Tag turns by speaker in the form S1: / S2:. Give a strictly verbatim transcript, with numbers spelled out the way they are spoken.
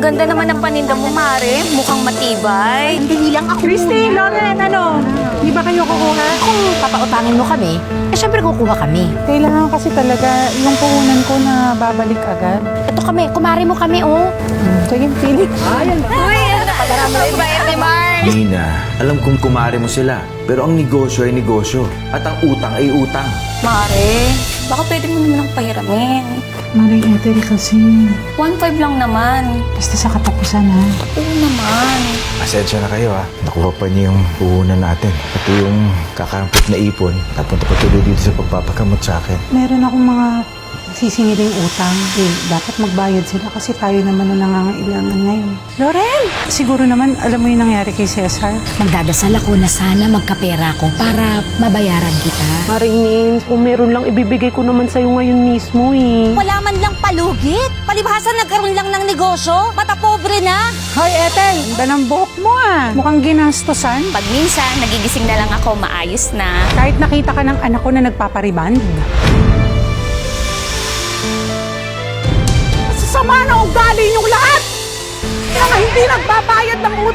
S1: ganda naman ng paninda mo, Mare. Mukhang matibay.
S2: Hindi lang ako.
S3: Christy, Lauren, ano? Di ba kayo kukuha?
S2: Kung papautangin mo kami, eh syempre kukuha kami.
S3: Kailangan kasi talaga yung puhunan ko na babalik agad.
S2: Ito kami, kumari mo kami, oh.
S3: Sige, pili.
S1: Uy, napakabait ni Mars.
S4: Nina, alam kong kumare mo sila. Pero ang negosyo ay negosyo. At ang utang ay utang.
S1: Mare, baka pwede mo naman akong pahiramin.
S3: Maring Ethel kasi.
S1: one five lang naman.
S3: Basta sa katapusan, ha?
S1: Oo naman.
S4: Pasensya na kayo ha. Nakuha pa niyo yung puhunan natin. Pati yung kakampit na ipon. Napunta pa tuloy dito sa pagpapagamot sa akin.
S3: Meron akong mga sisingiling utang. Eh, dapat magbayad sila kasi tayo naman ang nangangailangan ngayon. Lauren! Siguro naman, alam mo yung nangyari kay Cesar?
S2: Magdadasal ako na sana magkapera ko para mabayaran kita.
S5: Maring Nins, kung meron lang ibibigay ko naman sa'yo ngayon mismo eh.
S6: Wala man lang palugit. Palibhasa nagkaroon lang ng negosyo. Mata pobre na.
S3: Hoy, Ethel! Ganda ng buhok mo ah! Mukhang ginastosan.
S1: Pag minsan, nagigising na lang ako, maayos na.
S3: Kahit nakita ka ng anak ko na nagpapariband. Sama na ugali niyong lahat! Kaya nga hindi nagbabayad ng